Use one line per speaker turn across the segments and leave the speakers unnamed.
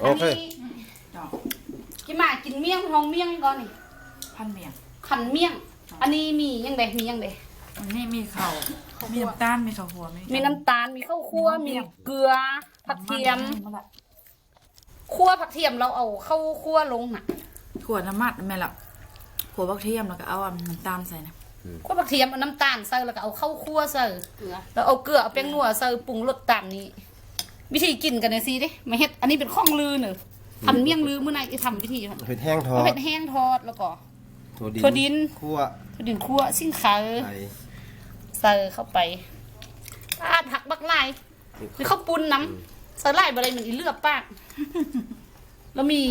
โอเค
กินมากินเมี่ยงห้องเมี่ยงก่อนนี่
พันเมียง
ขันเมี่ยงอันนี้มียังไงมียังไง
อันนี้มีข้าวมีน้ำตาลมีข้าวหัว
มีน้ำตาลมีข้าวคั่วมีเกลือผักเทียมคั่วผักเทียมเราเอาเข้าคั่วลงน่ะ
ขวดน้ำมันแม่ละขวดบักเทียมแล้วก็เอาน้ำตาลใส่นะ
คั่วผักเทียมเอาน้ำตาลใส่แล้วก็เอาเข้าคั่วใส่แล้วเอาเกลือเอาแป้งนัวใส่ปรุงรสตามนี้ วิธีกินกันเลยสิดิไม่เฮ็ดอันนี้เป็นข้องลือเนอะทำเมี่ยงลือเมื่อไหร่จะทำวิธี
เผ็ดแห้งทอด
เผ็ดแห้งทอดแล้วก็
ถั่วดินคั่ว
ถั่วดินคั่วซิ่งขาใส่เข้าไปผักบักไล่หรือข้าวปุ้นน้ำใส่ไล่อะไรเหมือนอีเลือบปากแล้วมี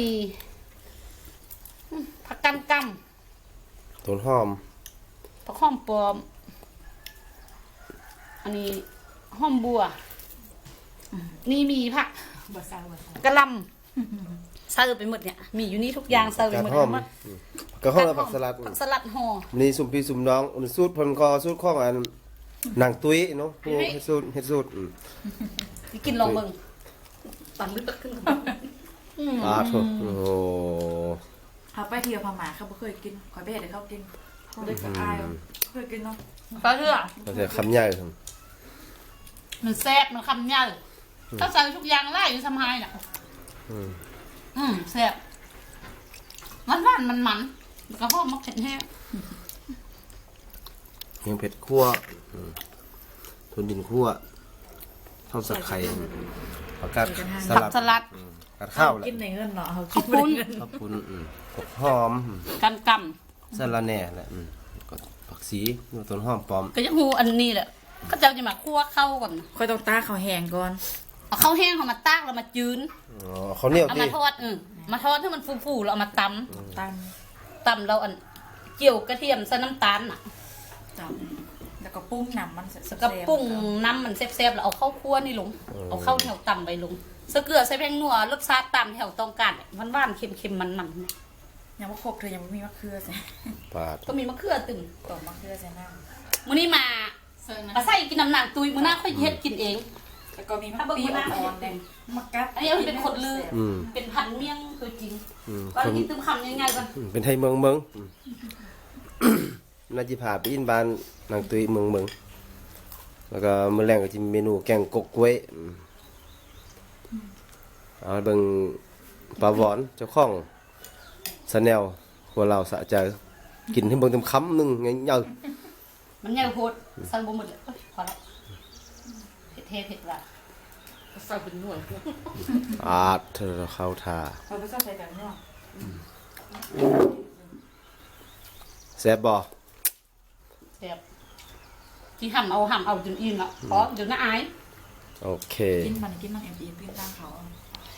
ผักกันกำ
ต้นหอม
ผักหอมปลอมอันนี้หอมบัวนี่มีผักกระลำใส่ไปหมดเนี่ยมีอยู่นี่ทุกอย่างใส่ไปหมด
กระห้องผักสลัด
ผักสลัดห่อ
นี่สุ่มพี่สุ่มน้องสูตรพันคอสูตรข้องอันหนังตุ้ยเนาะผู้เฮ็ดสูตร
กินลองมึงปั่นลึกขึ้น
โถโอ้โห
เขาไปเที่ยวพม่าเขาไม่เคยกินขอยไปเห็นเขากินเขาเลยก็อายเคยกินเนาะ
ก็เถอะ
เราจะคำใหญ่ครับ
มันแซ่บมันคำใหญ่ถ้าใส่ทุกอย่างไล่อยู่สมัยน่ะแซ่บมันแล้วก็หอมมักเผ็ดแห้ง
ยังเผ็ดคั่วถั่วดินคั่วทอดสักไข่ผักกาดส
ผัก
ลัด
สลัด
กัดข้าวแหละ
กินในเงินเนาะเขา
ข้าวปุ้น
ข้าวปุ้นผักหอม
กันก
สะระแหน่แหละก็ผักสีต้นหอมปลอม
ำก็ยังหูอันนี้แหละก็จะมาคั่วเข้าก่อน
ค่อยต้องตาเขาแห้งก่อน
เอาข้าวแห้งเอามาตากแล้วมาจืน
เขาเหนียว
เอา
ดิ
มาทอดมาทอดให้มันฟูๆแล้วเอามาต
ตาม
ำเราอันเจียวกระเทียมใส่น้ำตาลน่ะ
จับแล้วก็ปรุงน้ำมัน
แล้วก็ปรุงน้ำมันแซ่บๆแล้วเอาข้าวคั่วนี่ลงเอาข้าวแถวต่ำไปลงใส่เกลือใส่แป้งนัวรสชาติตามแถวต้องการหวานๆเค็มๆมันๆ
ยังไม่ครบเธอยังไม่มีมะเขือใส่
ปาด
ก็มีมะเขือตึง
ต่อมะเขือใส่น้
มื้อนี้มาใส่กินน้ำหนักตุยมื้อหน้าค่อยเฮ็ดกินเอง
ำแล้วก็มีมะปีอ่อนแดงมะกัด
อันนี้มันเป็นคนลือเป็นพันเมี่ยงตัวจริงก็กินตึ้มคำง่ายๆก่อน
เป็นไทยเมืองน่าจะพาไปอินบ้านนางตุยเมืองแล้วก็มื้อแรงก็จะมีเมนูแกงกกกล้วยเอาเบิ่งปลาหวอนเจ้าของสแนลหัวเราสะใจกินให้เบิ่งเต็มคำหนึงไงเยอะ
มันใหญ่โพดใส่บ่หมดเลยพอแล้วเผ็ดว่ะใส่เป็นหน่วย
เธอเข้าท่า
เราไปใส่แบบนี้
แซ่บบ่
แซ่บที่ห่ำเอาจนอิ่มละเพราะเดี๋ยวน่าอาย
โอเค
กินมันเอ็มกินตามเขา